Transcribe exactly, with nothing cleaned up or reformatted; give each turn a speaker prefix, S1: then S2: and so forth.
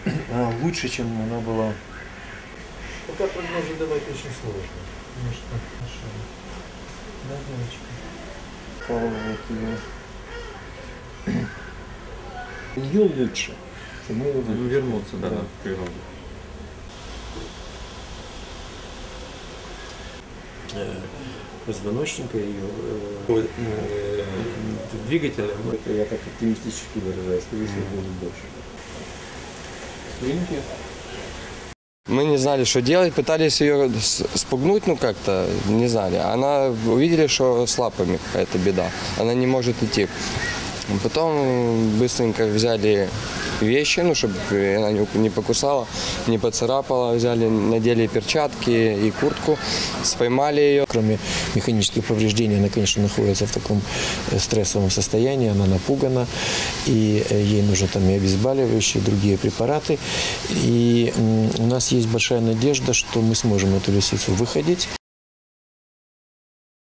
S1: а, лучше, чем она была.
S2: Пока прогнозы давать очень сложно. Может, хорошо. Да, девочка.
S1: Пробовать ее. Ее лучше. Что мы его
S3: Ну, вернуться, да,
S1: да.
S3: в природу.
S2: Позвоночника ее, э, э, двигателя.
S1: Это я так оптимистически выражаюсь, скорее всего, будет больше. Свинки.
S4: Мы не знали, что делать, пытались ее спугнуть, ну как-то, не знали. Она увидели, что с лапами какая-то беда, она не может идти. Потом быстренько взяли вещи, ну, чтобы она не покусала, не поцарапала, взяли, надели перчатки и куртку, споймали ее.
S2: Кроме механических повреждений, она, конечно, находится в таком стрессовом состоянии, она напугана, и ей нужны там и обезболивающие, и другие препараты. И у нас есть большая надежда, что мы сможем эту лисицу выходить.